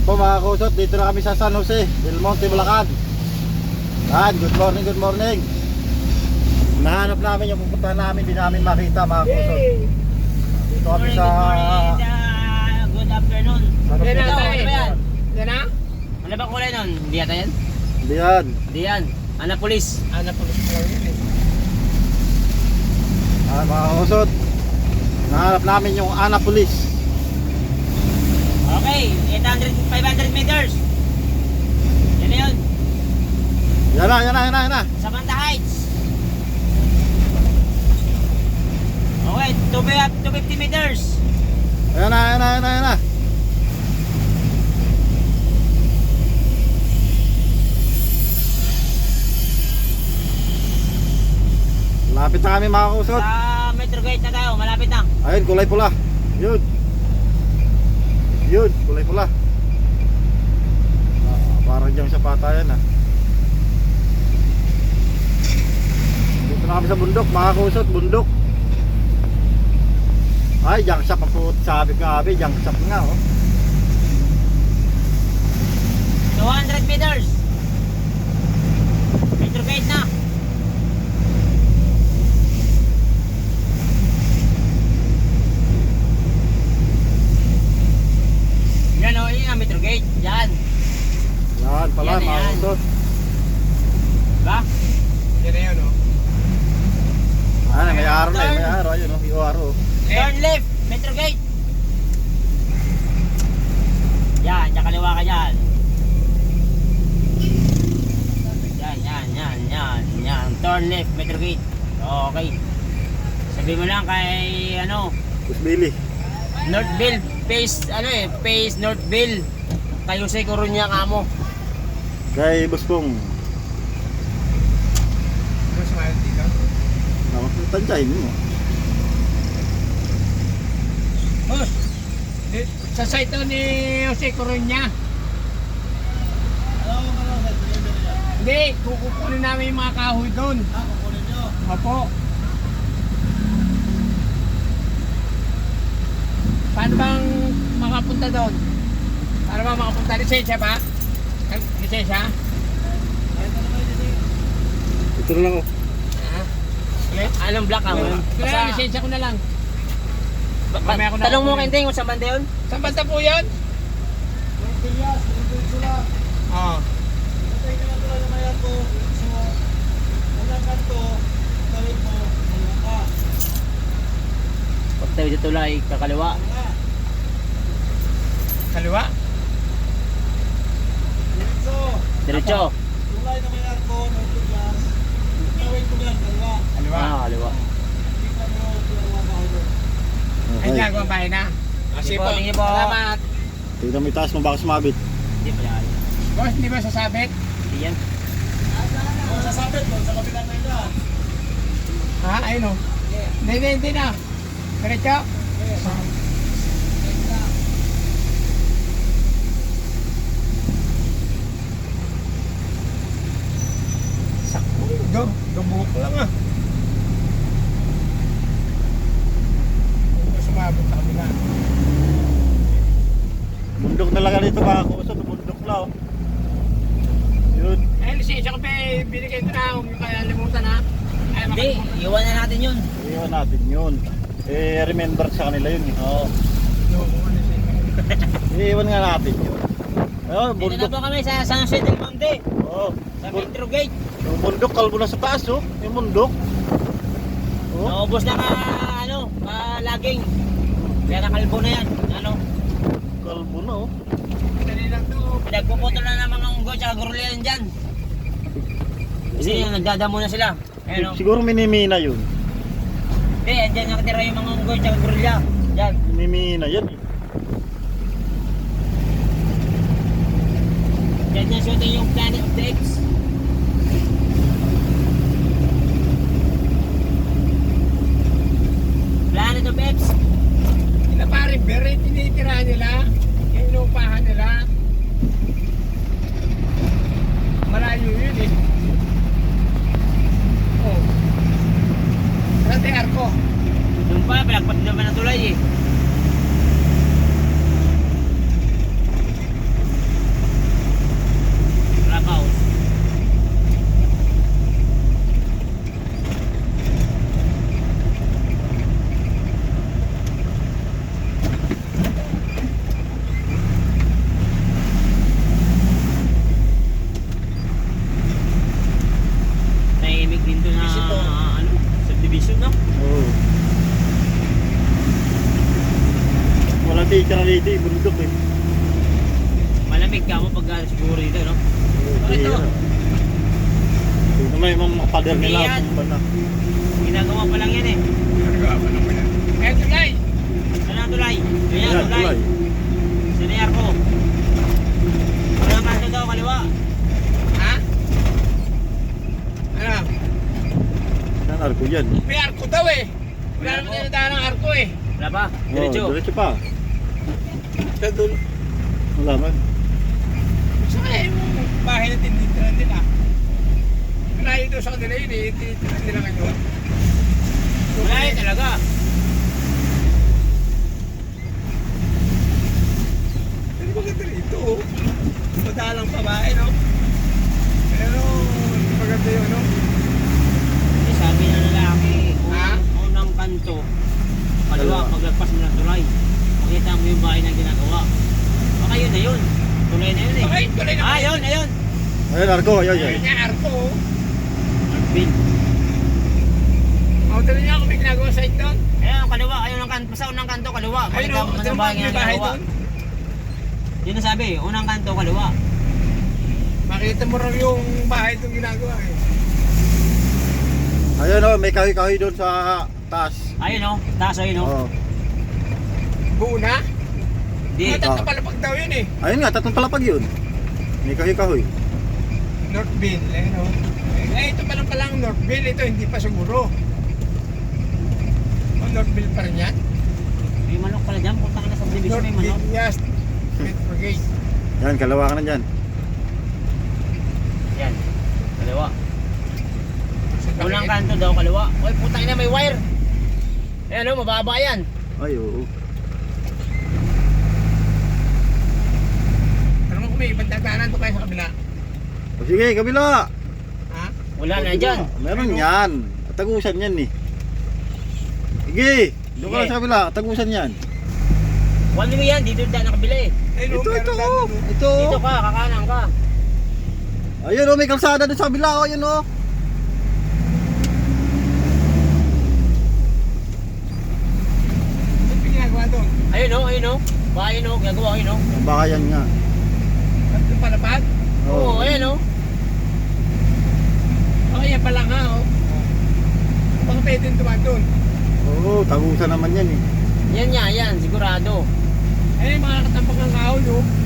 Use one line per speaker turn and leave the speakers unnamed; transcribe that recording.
po mga kusot, dito na kami sa San Jose, Del Monte, Bulacan. Yan, good morning, good morning. Nahanap namin yung pupuntahan namin, di namin makita mga kusot. Dito kami sa...
Good afternoon.
San Jose.
Ano ba yan?
Yan na?
Ano ba kulay nun? Hindi yata yan?
Hindi yan.
Hindi yan. Anapolis.
Anapolis pa lang yun
Yan mga kusot. Nahanap namin yung Anapolis.
Okay, 500 meters. Yan na yun.
Yan na.
Samantha Heights. Okay, 250 meters.
Yan na. Malapit na kami mga kusot.
Sa Metro Gate na tayo, malapit na.
Ayun, kulay pula. Yun, kulay pula. Parang dyan sa patayan ah. Dito na kami sa bundok, mga kusot, bundok. Ay, junk shop ang puto. Sabi ko nga, junk shop nga oh.
200 meters. Metro Gate na. Yan o, yun ang Metro Gate. Yan.
Yan pala,
Yan,
mga
yan.
kusot.
Diba?
Yan na yun, oh.
Ano, may araw na may araw. Ayun oh, yung araw oh.
Turn left, Metro Gate. Yan, yan kaliwa ka dyan. Yan. Turn left, Metro Gate. Okay. Sabi mo lang kay
Kusbili.
Northville, face Northville. Kayo sa Coruña kamo.
Kay Buspong.
Mas mahal dito.
Tansyahin mo.
Boss, sa site to ni Jose Coruña. Hindi, kukunin namin yung mga kahoy doon.
Kukunin nyo.
Opo. Paano bang makapunta doon? Paano bang makapunta? Lisensya ba? Lisensya?
Ito na lang oh.
Anong block ka mo?
Kaya lisensya ko na lang. Mamaya ko na-
Tanong mo kay Ting kung saan banda yun?
Saan banda po yun? Oo.
Pag tayo dito tulay, kakaliwa.
Kaliwa?
Diretso.
Kaliwa.
Kaliwa.
Ay,
Okay.
nagawa bahay na.
Sige po, sige po.
Salamat.
Tignan mo yung taas mo, baka sumabit.
Hindi pa yan.
Boss, hindi ba sasabit?
Hindi yan.
Ha? Ayun o. Hindi na. Diretso? Sakto. Gabuk lang ah. Hindi sumabot sa kabila.
Bundok na lang dito mga kusot, bundok na oh. Yun.
Eh, lisensya ko pa binigay ko na. Huwag yung kaya limutan ha. Ay,
Hindi, iwan na natin yun.
Iwan natin yun. Remember sa kanila yun. Oo. Iwan nga natin yun. Oh,
Dito na
bundok.
po kami sa San Jose del Monte.
Oh,
Sa Metro Gate.
yung bundok, kalbo na sa taas oh. Yung bundok. Oh,
Naubos na laging. Kaya nakalbo na yan.
kalbo na oh.
Dali lang to.
Pinagpuputol na ng mga unggoy tsaka gurulian dyan. Kasi yung nagdadamo na sila. Ayun o.
Siguro minimina yun.
Hindi, andyan nakatira yung mga unggoy tsaka gurulya. Yan.
Minimina yan eh.
Yan yung shooting yung Planet of the Apes. Planet of Apes.
Ina pare, beret tinitira nila. Yung inupahan nila. Malayo yun eh. Oh. Rate arko.
Doon pa, pinagpati naman ang tulay eh.
hindi, bundok eh.
Malamig ka mo pag siguro dito, no? Bakit to?
Ito naman yung mga pader
Hindi
nila.
yan.
Banda.
Ginagawa pa lang yan eh.
Nagawa pa naman yan. Eh, tulay!
Saan ang tulay? Ayan,
Ayan,
tulay.
tulay.
Sinayar ko. Unang kanto daw, kaliwa.
Ha? Ano?
Yan, arko yan.
May arko daw eh. Wala naman tinadaan ng arko eh.
Wala pa?
Oh,
Diretso.
diretso pa.
Sa dulo.
Wala man.
Sa kaya yung bahay na tinitirahan nila. Malayo doon sa kanila yun eh. Tinitirahan nila ngayon.
Wala yun talaga.
Pero maganda rito oh. Madalang babae no? Pero maganda yun no?
Kasi sabi ng lalaki,
Ha?
unang kanto, kaliwa,
Kaliwa.
paglagpas mo ng tulay. Makita mo yung bahay na ginagawa. Baka yun na yun. Tulay na yun eh.
Okay, tuloy na.
Ah, yun, ayun.
Ayan, arko. Ayan,
Ayun
ayan.
nga, arko oh.
Arbin.
O, tuloy niya ako may ginagawa sa ito doon.
Ayun, ang kaliwa. Ayun ang kanto. Sa unang kanto, kaliwa.
Ayun
Makita
o,
mo
ito
ng
mo
bahay
may
na
bahay
ginagawa.
doon.
Yun ang sabi, unang kanto, kaliwa.
Makita mo rin yung bahay itong ginagawa eh.
Ayun oh, may kahoy-kahoy doon sa taas.
Ayun o, taas ayun o.
Oh.
Buo na?
Di.
Tatlo palapag daw yun eh.
Ayun nga, tatlong palapag yun. May kahoy-kahoy.
Northville, eh no? Eh, ito pa lang palang Northville, ito hindi pa siguro. O, Northville pa rin yan?
May manok pala dyan. Punta ka na sa division, may manok.
Northville, yes. Metro Gate.
Yan, kalawa ka na dyan.
Yan. Kaliwa. Unang kanto daw, kaliwa. Uy, putang ina, may wire. Ayan o, mababa yan.
Ay, oo.
Alam mo kung may ibang dadaanan to kayo sa kabila.
O sige, kabila.
Ha?
Wala na dyan.
Meron yan. Tagusan yan eh. Sige, doon ka
Sige.
lang sa kabila. Tagusan yan.
One way yan, dito dyan nakabila eh.
Ay, no,
Ito,
meron
ito.
daan
Oh.
doon.
Ito.
Dito ka, kakanan ka.
Ayun oh, may kalsada doon sa kabila. Oh, ayun oh.
Ba't may ginagawa doon?
Ayun o, ayun o. Bahay o, gagawa ayun o.
Ang bahayan nga.
Ba't yung palapag?
Oo, ayan o.
Okay, yan pala nga oh. Baka pwede tumaan doon.
Oo, tagusan naman yan eh.
Yan yan, sigurado.
Eh, mga nakatampag ng kahoy oh.